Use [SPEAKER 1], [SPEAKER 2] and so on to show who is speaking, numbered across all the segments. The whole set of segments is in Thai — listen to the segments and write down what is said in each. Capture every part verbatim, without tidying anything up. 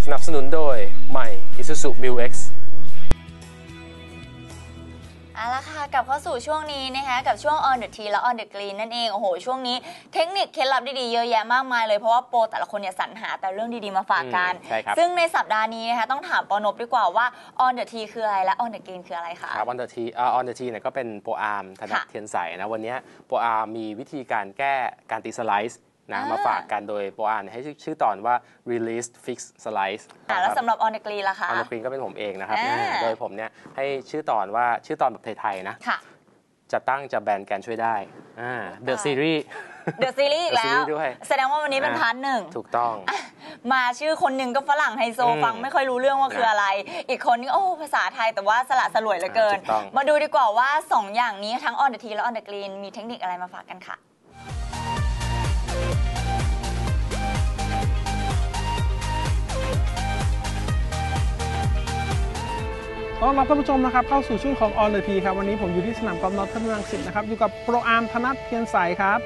[SPEAKER 1] สนับสนุนโดยใหม่ Isuzu Mu-X
[SPEAKER 2] เอาละค่ะกลับเข้าสู่ช่วงนี้นะคะกับช่วง On the Tee และ On the Green นั่นเองโอ้โหช่วงนี้เทคนิคเคล็ดลับดีๆเยอะแยะมากมายเลยเพราะว่าโปรแต่ละคนเนี่ยสรรหาแต่เรื่องดีๆมาฝากกันซึ่งในสัปดาห์นี้นะคะต้องถามปอนบดีกว่าว่า On the Tee คืออะไรและ On the Green คืออะไรคะ
[SPEAKER 1] ครับ On the Tee อ่า On the Tee เนี่ยก็เป็นโปรอาร์มธนเทียนใสนะวันนี้โปรอาร์มมีวิธีการแก้การตีสไลซ์นะมาฝากกันโดยโปรอาร์มให้ชื่อตอนว่า Release Fix Slice
[SPEAKER 2] แล้วสำหรับ On the Green ล่ะคะ
[SPEAKER 1] On the Green ก็เป็นผมเองนะครับโดยผมเนี่ยให้ชื่อตอนว่าชื่อตอนแบบไทยๆนะจะตั้งจะแบนแกนช่วยได้ The Series
[SPEAKER 2] The Series อีกแล้วแสดงว่าวันนี้เป็นพาร์ทหนึ่ง
[SPEAKER 1] ถูกต้อง
[SPEAKER 2] มาชื่อคนหนึ่งก็ฝรั่งไฮโซฟังไม่ค่อยรู้เรื่องว่าคืออะไรอีกคนนึงโอ้ภาษาไทยแต่ว่าสละสลวยเหลือเกินมาดูดีกว่าว่าสองอย่างนี้ทั้ง On the Tee และ On the Green มีเทคนิคอะไรมาฝากกันค่ะ
[SPEAKER 3] ต้อนรับท่านผู้ชมนะครับเข้าสู่ช่วงของ On the Tee ครับวันนี้ผมอยู่ที่สนามกอล์ฟนอร์ทรังสิตนะครับอยู่กับโปรอาร์มธนเทียนใสครับ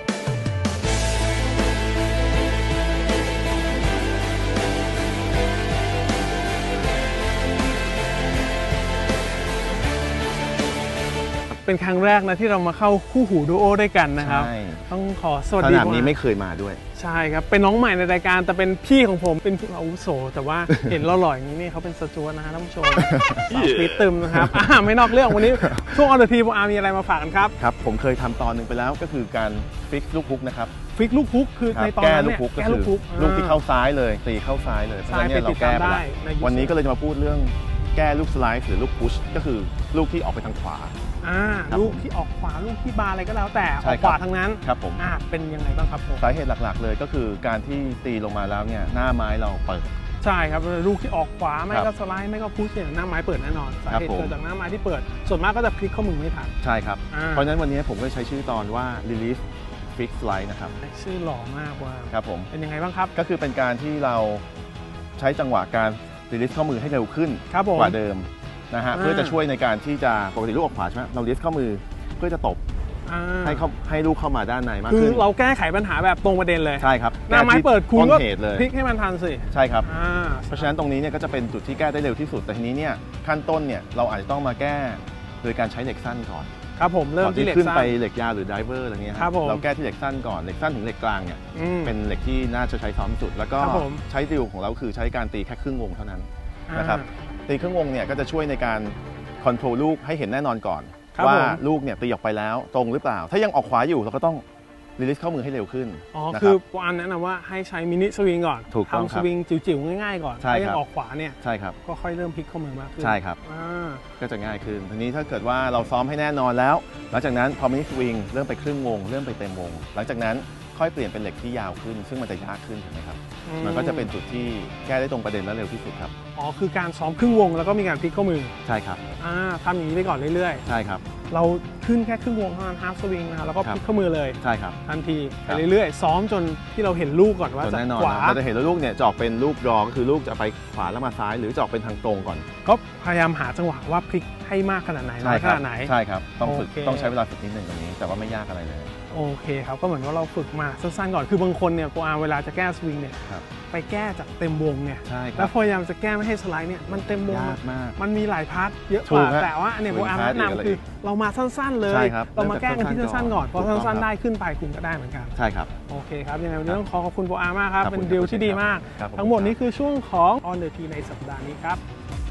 [SPEAKER 3] เป็นครั้งแรกนะที่เรามาเข้าคู่หูดูโอด้วยกันนะครับต้องขอสวัสดี
[SPEAKER 4] สนามนี้ไม่เคยมาด้วย
[SPEAKER 3] ใช่ครับเป็นน้องใหม่ในรายการแต่เป็นพี่ของผมเป็นผู้อาวุโสแต่ว่าเห็นเราหล่ออย่างนี้นี่เขาเป็นสจวตนะฮะท่านผู้ชมสาวปีตึมนะครับไม่นอกเรื่องวันนี้ช่วง On the Tee ผมอามีอะไรมาฝากกันครับ
[SPEAKER 4] ครับผมเคยทำตอนหนึ่งไปแล้วก็คือการฟิกลูกฮุกนะครับ
[SPEAKER 3] ฟิกลูกฮุกคือในตอนนั้นเนี่ย
[SPEAKER 4] แก้ลูกฮุกลูกที่เข้าซ้ายเลยตีเข้าซ้ายเลยเพราะฉะนั้นเราแก้ไปแล้ววันนี้ก็เลยจะมาพูดเรื่องแก้ลูกสไลด์หรือลูกพุชก็คือลูกที่ออกไปทางขวา
[SPEAKER 3] อ่าลูกที่ออกขวาลูกที่บาร์อะไรก็แล้วแต่ออกขวาทั้งนั้น
[SPEAKER 4] ครับผม
[SPEAKER 3] อ่าเป็นยังไงบ้างครับผม
[SPEAKER 4] สาเหตุหลักๆเลยก็คือการที่ตีลงมาแล้วเนี่ยหน้าไม้เราเปิด
[SPEAKER 3] ใช่ครับลูกที่ออกขวาไม่ก็สไลด์ไม่ก็พุชเนี่ยหน้าไม้เปิดแน่นอนสาเหตุเกิดจากหน้าไม้ที่เปิดส่วนมากก็จะพลิกข้อมือไม่ทัน
[SPEAKER 4] ใช่ครับเพราะฉะนั้นวันนี้ผมก็ใช้ชื่อตอนว่า Release Fix Slide นะครับ
[SPEAKER 3] ชื่อหล่อมากว่า
[SPEAKER 4] ครับผม
[SPEAKER 3] เป็นยังไงบ้างครับ
[SPEAKER 4] ก็คือเป็นการที่เราใช้จังหวะการ Release ข้อมือให้เร็วขึ้นกว่าเดิมนะฮะเพื่อจะช่วยในการที่จะปกติลูกออกขวาใช่ไหมเรา Release ข้อมือเพื่อจะตบให้เขาให้ลูกเข้ามาด้านในมากขึ้น
[SPEAKER 3] คือเราแก้ไขปัญหาแบบตรงประเด็นเลย
[SPEAKER 4] ใช่ครับ
[SPEAKER 3] หน้าไม้เปิดคุณก็พลิกให้มันทันสิ
[SPEAKER 4] ใช่ครับเพราะฉะนั้นตรงนี้เนี่ยก็จะเป็นจุดที่แก้ได้เร็วที่สุดแต่ทีนี้เนี่ยขั้นต้นเนี่ยเราอาจจะต้องมาแก้โดยการใช้เหล็กสั้นก่อน
[SPEAKER 3] ครับผมเริ่มที่เหล็ก
[SPEAKER 4] ขึ้นไปเหล็กยาวหรือไดเวอร์อะไรเงี้ย
[SPEAKER 3] ครับ
[SPEAKER 4] เราแก้ที่เหล็กสั้นก่อนเหล็กสั้นถึงเหล็กกลางเนี่ยเป็นเหล็กที่น่าจะใช้ซ้อมสุดแล้วก็ใช้ดิวของเราคือใช้การตีแค่ครึ่งวงเท่านั้นนะครับตีครึ่งวงเนี่ยก็จะช่วยในการคอนโทรลลูกให้เห็นแน่นอนก่อนว่าลูกเนี่ยตีออกไปแล้วตรงหรือเปล่าถ้ายังออกขวาอยู่เราก็ต้องรีลิสเข้ามือให้เร็วขึ้น
[SPEAKER 3] อ๋อคือปอนแนะนำว่าให้ใช้มินิสวิงก่อนทำสวิงจิ๋วๆง่ายๆก่อนถ้ายังออกขวาเนี่ย
[SPEAKER 4] ใช่ครับ
[SPEAKER 3] ก็ค่อยเริ่มพลิกเข้ามือมากขึ้น
[SPEAKER 4] ใช่ครับก็จะง่ายขึ้นทีนี้ถ้าเกิดว่าเราซ้อมให้แน่นอนแล้วหลังจากนั้นพอมินิสวิงเริ่มไปครึ่งวงเริ่มไปเต็มวงหลังจากนั้นค่อยเปลี่ยนเป็นเหล็กที่ยาวขึ้นซึ่งมันจะยากขึ้นถูกไหมครับมันก็จะเป็นจุดที่แก้ได้ตรงประเด็นและเร็วที่สุดครับ
[SPEAKER 3] อ๋อคือการซ้อมครึ่งวงแล้วก็มีการพลิกข้อมือ
[SPEAKER 4] ใช่ครับ
[SPEAKER 3] อ่าทำอย่างนี้ไปก่อนเรื่อย
[SPEAKER 4] ๆใช่ครับ
[SPEAKER 3] เราขึ้นแค่ครึ่งวงเท่านั้นฮาล์ฟสวิงนะครับแล้วก็พลิกข้อมือเลย
[SPEAKER 4] ใช่ครับ
[SPEAKER 3] ทันทีไปเรื่อยๆซ้อมจนที่เราเห็นลูกก่อนว่าจะขวา
[SPEAKER 4] เราจะเห็นลูกเนี่ยจะออกเป็นลูกรอก็คือลูกจะไปขวาแล้วมาซ้ายหรือจะออกเป็นทางตรงก่อน
[SPEAKER 3] ก็พยายามหาจังหวะว่าพลิกให้มากขนาดไหนน้อยขนาดไหน
[SPEAKER 4] ใช่ครับต้องฝึกต้องใช้เวลาฝึกนิดหนึ่งตรงนี้แต่ว่าไม่ยากอะไรเลย
[SPEAKER 3] โอเคครับก็เหมือนว่าเราฝึกมาสั้นๆก่อนคือบางคนเนี่ยโปรอาร์เวลาจะแก้สวิงเนี่ยไปแก้จากเต็มวงเนี่ยแล้วพยายามจะแก้ไม่ให้สไลด์เนี่ยมันเต็มวงมากมันมีหลายพาร์ทเยอะกว่าแต่ว่าเนี่ยโปรอาร์แนะนำคือเรามาสั้นๆเลยเรามาแก้กันที่สั้นๆก่อนพอสั้นๆได้ขึ้นไปคุณก็ได้เหมือนกัน
[SPEAKER 4] ใช่ครับ
[SPEAKER 3] โอเคครับยังไงวันนี้ต้องขอขอบคุณโปรอาร์มากครับเป็นดีลที่ดีมากทั้งหมดนี้คือช่วงของ On the Tee ในสัปดาห์นี้ครับ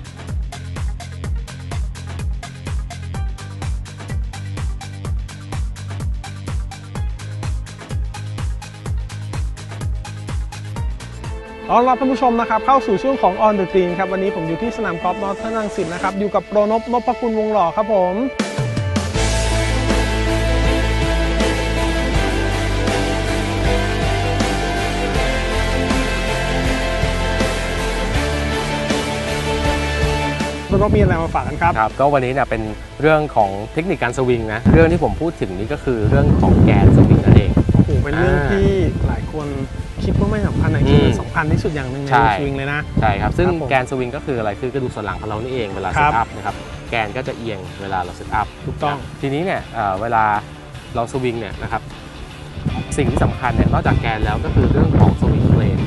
[SPEAKER 3] ต้อนรับท่านผู้ชมนะครับเข้าสู่ช่วงของ On the Green ครับวันนี้ผมอยู่ที่สนามกอล์ฟนอร์ทรังสิตนะครับอยู่กับโปรนพ นพคุณวงหล่อครับผมโปรนพมีอะไรมาฝากกันครับ
[SPEAKER 1] ครับก็วันนี้เนี่ยเป็นเรื่องของเทคนิคการสวิงนะเรื่องที่ผมพูดถึงนี้ก็คือเรื่องของแกนสวิงนั่นเอง
[SPEAKER 3] โอ้โหเป็นเรื่องที่หลายคนคิดว่าไม่สำคัญในที่สำคัญที่สุดอย่างหนึ่งในสวิงเลยนะ
[SPEAKER 1] ใช่ครับซึ่งแกนสวิงก็คืออะไรคือกระดูกสันหลังของเรานี่เองเวลาเซตอัพนะครับแกนก็จะเอียงเวลาเราเซตอัพ
[SPEAKER 3] ถูกต้อง
[SPEAKER 1] ทีนี้เนี่ยเวลาเราสวิงเนี่ยนะครับสิ่งที่สำคัญเนี่ยนอกจากแกนแล้วก็คือเรื่องของสวิงเพลน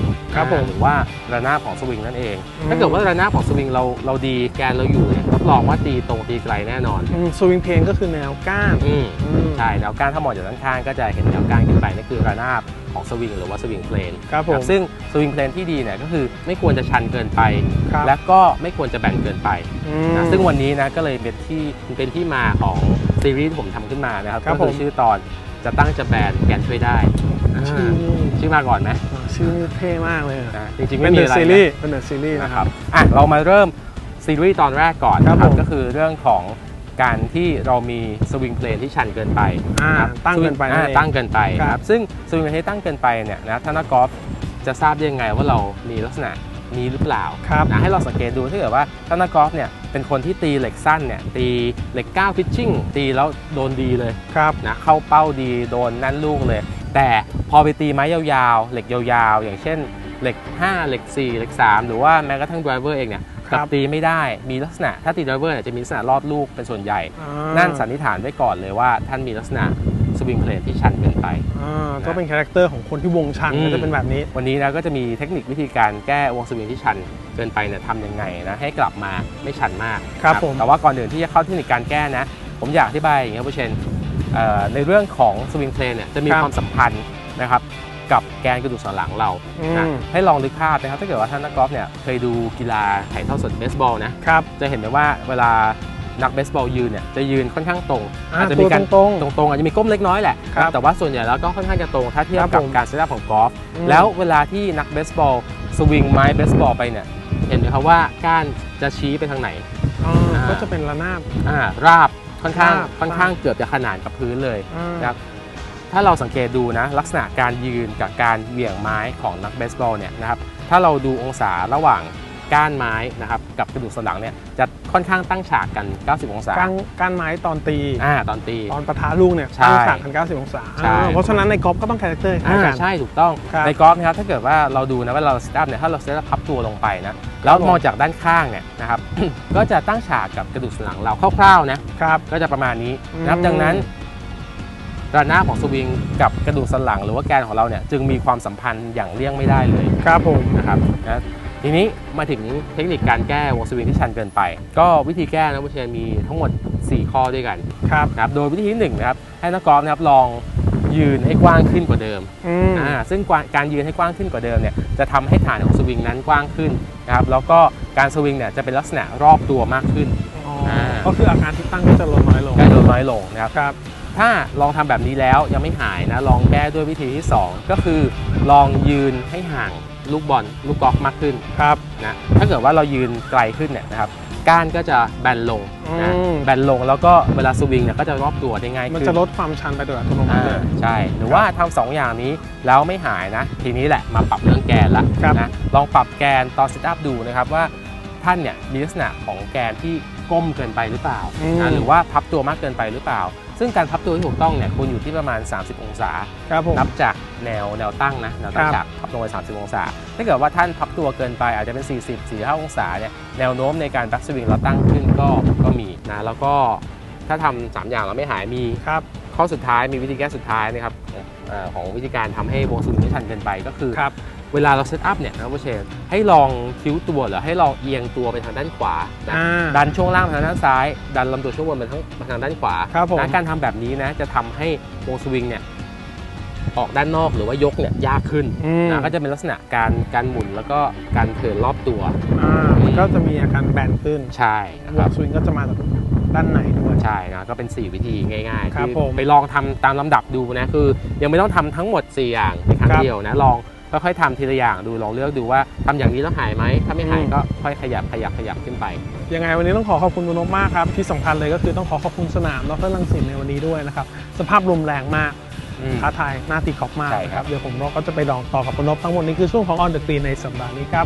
[SPEAKER 1] หรือว่าระนาบของสวิงนั่นเองถ้าเกิดว่าระนาบของสวิงเราเราดีแกนเราอยู่เนี่ยรับรองว่าตีตรงตีไกลแน่นอน
[SPEAKER 3] สวิงเพลนก็คือแนวก้าน
[SPEAKER 1] ใช่แนวก้านถ้ามองจากด้านข้างก็จะเห็นแนวก้านขึ้นไปนั่นคือระนาบของสวิงหรือว่าสวิงเพลนซึ่งสวิงเพลนที่ดีเนี่ยก็คือไม่ควรจะชันเกินไปและก็ไม่ควรจะแบนเกินไปนะซึ่งวันนี้นะก็เลยเป็นที่เป็นที่มาของซีรีส์ที่ผมทำขึ้นมานะครับก็คือชื่อตอนจะตั้งจะแบนแกนช่วยได้ชื่อชื่อมาก่อนไหม
[SPEAKER 3] ชื่อเท่มากเลย
[SPEAKER 1] นะจริงๆไม่มีอะไร
[SPEAKER 3] เป็นซีรีส์เป็นเดอะซีรีส์
[SPEAKER 1] นะครับอ่ะเรามาเริ่มซีรีส์ตอนแรกก่อนนะครับก็คือเรื่องของการที่เรามีสวิงเพลนที่ชันเกินไป
[SPEAKER 3] ตั้งเกินไป
[SPEAKER 1] ตั้งเกินไปครับซึ่งสวิงเพลนที่ตั้งเกินไปเนี่ยนะถ้านักกอล์ฟจะทราบได้ยังไงว่าเรามีลักษณะนี้หรือเปล่านะให้เราสังเกตดูถ้าเกิดว่าถ้านักกอล์ฟเนี่ยเป็นคนที่ตีเหล็กสั้นเนี่ยตีเหล็กเก้าพิชชิ่งตีแล้วโดนดีเลยนะเข้าเป้าดีโดนนั่นลูกเลยแต่พอไปตีไม้ยาวๆเหล็กยาวๆอย่างเช่นเหล็กห้าเหล็กสี่เหล็กสามหรือว่าแม้กระทั่งไดรเวอร์เองเนี่ยกลับตีไม่ได้มีลักษณะถ้าตีไดรเวอร์เนี่ยจะมีลักษณะรอดลูกเป็นส่วนใหญ่นั่นสันนิษฐานไว้ก่อนเลยว่าท่านมีลักษณะสวิงเพลนที่ชันเกินไป
[SPEAKER 3] ก็เป็นคาแรคเตอร์ของคนที่วงชันก็จะเป็นแบบนี้
[SPEAKER 1] วันนี้นะก็จะมีเทคนิควิธีการแก้วงสวิงที่ชันเกินไปเนี่ยทำยังไงนะให้กลับมาไม่ชันมาก
[SPEAKER 3] ครับผม
[SPEAKER 1] แต่ว่าก่อนอื่นที่จะเข้าเทคนิคการแก้นะผมอยากอธิบายอย่างนี้ครับผู้เชนในเรื่องของสวิงเพลนเนี่ยจะมีความสัมพันธ์นะครับกับแกนกระดูกสันหลังเรานะให้ลองนึกภาพนะครับถ้าเกิดว่าท่านนักกอล์ฟเนี่ยเคยดูกีฬาถ่ายทอดสดเบสบอลนะครับจะเห็นไหมว่าเวลานักเบสบอลยืนเนี่ยจะยืนค่อนข้างตรงอาจจะมีการตรงตรงอาจจะมีก้มเล็กน้อยแหละแต่ว่าส่วนใหญ่แล้วก็ค่อนข้างจะตรงถ้าเทียบกับการเซตอัพของกอล์ฟแล้วเวลาที่นักเบสบอลสวิงไม้เบสบอลไปเนี่ยเห็นไหมครับว่าก้านจะชี้ไปทางไหน
[SPEAKER 3] ก็จะเป็นระนาบ
[SPEAKER 1] ราบค่อนข้างค่อนข้างเกือบจะขนานกับพื้นเลยนะครับถ้าเราสังเกตดูนะลักษณะการยืนกับการเหวี่ยงไม้ของนักเบสบอลเนี่ยนะครับถ้าเราดูองศาระหว่างก้านไม้นะครับกับกระดูกสันหลังเนี่ยจะค่อนข้างตั้งฉากกันเก้าสิบองศา
[SPEAKER 3] ก้านก้านไม้ตอนตี
[SPEAKER 1] อ่าตอนตี
[SPEAKER 3] ตอนปะทะลูกเนี่ยตั้งฉากกันเก้าสิบองศาเพราะฉะนั้นในกอล์ฟก็ต้องคาแรคเตอร์
[SPEAKER 1] อ่าใช่ถูกต้องในกอล์ฟนะครับถ้าเกิดว่าเราดูนะว่าเราเซตอัพเนี่ยถ้าเราเซตอัพพับตัวลงไปนะแล้วมองจากด้านข้างเนี่ยนะครับ ก็จะตั้งฉากกับกระดูกสันหลังเราคร่าวๆนะครับก็จะประมาณนี้นะครับดังนั้นระนาบของสวิงกับกระดูกสันหลังหรือว่าแกนของเราเนี่ยจึงมีความสัมพันธ์อย่างเลี่ยงไม่ได้เลย
[SPEAKER 3] ครับผม
[SPEAKER 1] นะครับนะทีนี้มาถึงเทคนิคการแก้วงสวิงที่ชันเกินไปก็วิธีแก้นะผู้เชี่ยวชาญมีทั้งหมดสี่ข้อด้วยกัน
[SPEAKER 3] ครับ
[SPEAKER 1] นะครับโดยวิธีที่หนึ่งนะครับให้นักกอล์ฟนะครับลองยืนให้กว้างขึ้นกว่าเดิมอ่าซึ่งการยืนให้กว้างขึ้นกว่าเดิมเนี่ยจะทำให้ฐานของสวิงนั้นกว้างขึ้นนะครับแล้วก็การสวิงเนี่ยจะเป็นลักษณะรอบตัวมากขึ้น
[SPEAKER 3] ก็คืออาการที่ตั้งก็จะลดน้อยลง
[SPEAKER 1] ก็ลดน้อยลงนะครับถ้าลองทำแบบนี้แล้วยังไม่หายนะลองแก้ด้วยวิธีที่สองก็คือลองยืนให้ห่างลูกบอลลูกกอล์ฟมากขึ้น
[SPEAKER 3] ครับ
[SPEAKER 1] นะถ้าเกิดว่าเรายืนไกลขึ้นเนี่ยนะครับก้านก็จะแบนลงนะแบนลงแล้วก็เวลาสวิงเนี่ยก็จะรอบตัวได้ง่ายขึ้น
[SPEAKER 3] มันจะลดความชันไปโดยอัตโนมัติเลย
[SPEAKER 1] ใช่หรือว่าทำสองอย่างนี้แล้วไม่หายนะทีนี้แหละมาปรับเรื่องแกนละนะลองปรับแกนตอนเซตอัพดูนะครับว่าท่านเนี่ยมีลักษณะของแกนที่ก้มเกินไปหรือเปล่านะหรือว่าพับตัวมากเกินไปหรือเปล่าซึ่งการพับตัวที่ถูกต้องเนี่ยควรอยู่ที่ประมาณสามสิบองศานับจากแนวแนวตั้งนะแนวตั้งจากพับลงไปสามสิบองศาถ้าเกิดว่าท่านพับตัวเกินไปอาจจะเป็นสี่สิบ สี่สิบห้าองศาเนี่ยแนวโน้มในการแบ็กสวิงเราตั้งขึ้นก็ก็มีนะแล้วก็ถ้าทำสามอย่างเราไม่หายมีข้อสุดท้ายมีวิธีแก้สุดท้ายนะครับของวิธีการทำให้วงสวิงไม่ชันเกินไปก็คือเวลาเราเซตอัพเนี่ยนะผู้เชี่ยวชาญให้ลองคิ้วตัวหรือให้ลองเอียงตัวไปทางด้านขวานะดันช่วงล่างไปทางด้านซ้ายดันลำตัวช่วงบนไปทางไปทางด้านขวานะการทำแบบนี้นะจะทำให้วงสวิงเนี่ยออกด้านนอกหรือว่ายกเนี่ยยากขึ้นนะก็จะเป็นลักษณะการการหมุนแล้วก็การเทิร์นรอบตัว
[SPEAKER 3] มันก็จะมีอาการแบนขึ้น
[SPEAKER 1] ใช่
[SPEAKER 3] วงสวิงก็จะมาจากด้านไหนด้วย
[SPEAKER 1] ใช่นะก็เป็นสี่วิธีง่ายๆที่ไปลองทำตามลำดับดูนะคือยังไม่ต้องทำทั้งหมดสี่อย่างในครั้งเดียวนะลองค่อยๆทำทีละอย่างดูลองเลือกดูว่าทำอย่างนี้แล้วหายไหมถ้าไม่หายก็ค่อยขยับขยับขยับขึ้นไป
[SPEAKER 3] ยังไงวันนี้ต้องขอขอบคุณคุณนพมากครับที่สำคัญเลยก็คือต้องขอขอบคุณสนามดร.รังสิตในวันนี้ด้วยนะครับสภาพลมแรงมากท้าทายน่าตีกอล์ฟมากครับเดี๋ยวผมก็จะไปลองต่อกับคุณนพทั้งหมดนี้คือช่วงของ On the Green ในสัปดาห์นี้ครับ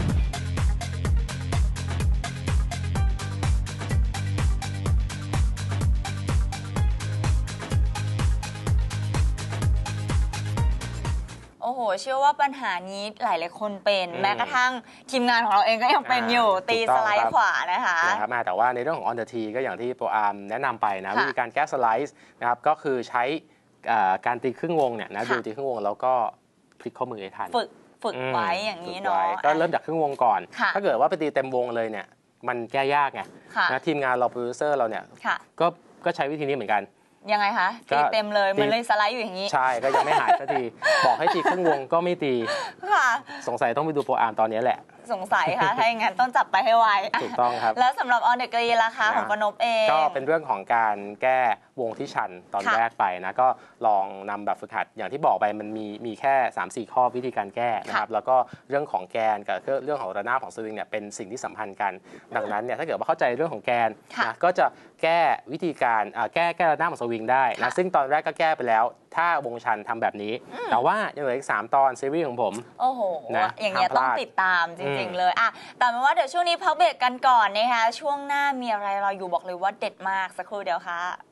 [SPEAKER 2] โอ้โหเชื่อว่าปัญหานี้หลายๆคนเป็นแม้กระทั่งทีมงานของเราเองก็ยังเป็นอยู่ตีสไลด์ขวานะคะ
[SPEAKER 1] นะครับแต่ว่าในเรื่องของ On the Tee ก็อย่างที่โปรอาร์มแนะนำไปนะวิธีการแก้สไลด์นะครับก็คือใช้การตีครึ่งวงเนี่ยนะดูตีครึ่งวงแล้วก็พลิกข้อมือให้ทัน
[SPEAKER 2] ฝึกฝึกไว้อย่างนี้เนาะ
[SPEAKER 1] ก็เริ่มจากครึ่งวงก่อนถ้าเกิดว่าไปตีเต็มวงเลยเนี่ยมันแก้ยากไงนะทีมงานเราโปรดิวเซอร์เราเนี่ยก็ก็ใช้วิธีนี้เหมือนกัน
[SPEAKER 2] ยังไงคะตีเต็มเลยมันเลยสไลด์อยู่อย่างนี้
[SPEAKER 1] ใช่ก็ยังไม่หายสักทีบอกให้ตีครึ่งวงก็ไม่ตีสงสัยต้องไปดูโปรอาร์มตอนนี้แหละ
[SPEAKER 2] สงสัยค่ะถ้าอย่างนั้นต้องจับไปให้ไว
[SPEAKER 1] ถูกต้องครับ
[SPEAKER 2] แล้วสำหรับ On the Green ราคาของปนพเอง
[SPEAKER 1] ก็เป็นเรื่องของการแก้วงที่ชันตอนแรกไปนะก็ลองนำแบบฝึกหัดอย่างที่บอกไปมันมีมีแค่ สามสี่ ข้อวิธีการแก้นะครับแล้วก็เรื่องของแกนกับเรื่องของระนาบของสวิงเนี่ยเป็นสิ่งที่สัมพันธ์กันดังนั้นเนี่ยถ้าเกิดว่าเข้าใจเรื่องของแกนนะก็จะแก้วิธีการแก้แก้ระนาบของสวิงได้นะซึ่งตอนแรกก็แก้ไปแล้วถ้าวงชันทำแบบนี้แต่ว่ายังเหลืออีกสามตอนซีรีส์ของผม
[SPEAKER 2] โอ้โหอย่างเงี้ยต้องติดตามจริงๆเลยอ่ะแต่เป็นว่าเดี๋ยวช่วงนี้พักเบรกกันก่อนนะคะช่วงหน้ามีอะไรเราอยู่บอกเลยว่าเด็ดมากสักครู่เดียวค่ะ